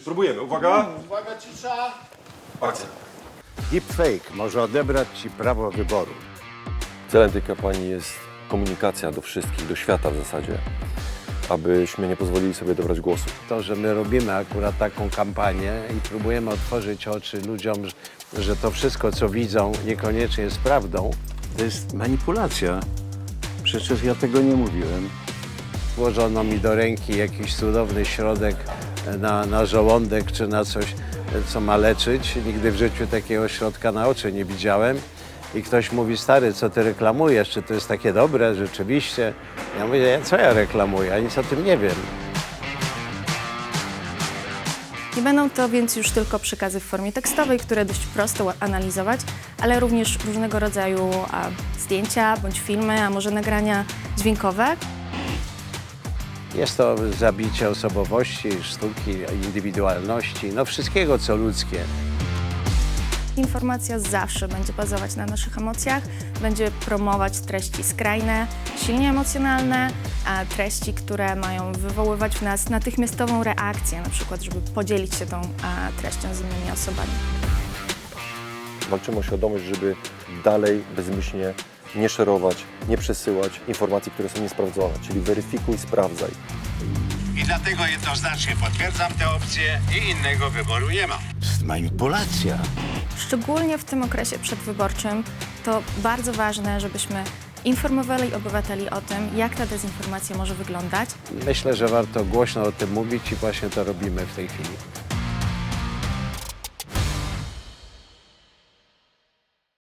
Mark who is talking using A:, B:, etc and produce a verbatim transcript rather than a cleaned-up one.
A: Próbujemy, uwaga.
B: Uwaga, cisza.
A: Akcja.
C: Deepfake może odebrać ci prawo wyboru.
D: Celem tej kampanii jest komunikacja do wszystkich, do świata w zasadzie, abyśmy nie pozwolili sobie dobrać głosu.
C: To, że my robimy akurat taką kampanię i próbujemy otworzyć oczy ludziom, że- że to wszystko, co widzą, niekoniecznie jest prawdą,
E: To jest manipulacja. Przecież ja tego nie mówiłem.
C: włożono mi do ręki jakiś cudowny środek na, na żołądek czy na coś, co ma leczyć. Nigdy w życiu takiego środka na oczy nie widziałem. I ktoś mówi, stary, co ty reklamujesz? Czy to jest takie dobre rzeczywiście? Ja mówię, co ja reklamuję? Ja nic o tym nie wiem.
F: Nie będą to więc już tylko przekazy w formie tekstowej, które dość prosto analizować, ale również różnego rodzaju a, zdjęcia bądź filmy, a może nagrania dźwiękowe.
C: Jest to zabicie osobowości, sztuki, indywidualności, no wszystkiego, co ludzkie.
F: Informacja zawsze będzie bazować na naszych emocjach, będzie promować treści skrajne, silnie emocjonalne, a treści, które mają wywoływać w nas natychmiastową reakcję, na przykład, żeby podzielić się tą a, treścią z innymi osobami.
D: Walczymy o świadomość, żeby dalej bezmyślnie nie szerować, nie przesyłać informacji, które są niesprawdzone, czyli weryfikuj, sprawdzaj.
B: I dlatego jednoznacznie potwierdzam tę opcję i innego wyboru nie ma.
E: To jest manipulacja.
F: Szczególnie w tym okresie przedwyborczym to bardzo ważne, żebyśmy informowali obywateli o tym, jak ta dezinformacja może wyglądać.
C: Myślę, że warto głośno o tym mówić i właśnie to robimy w tej chwili.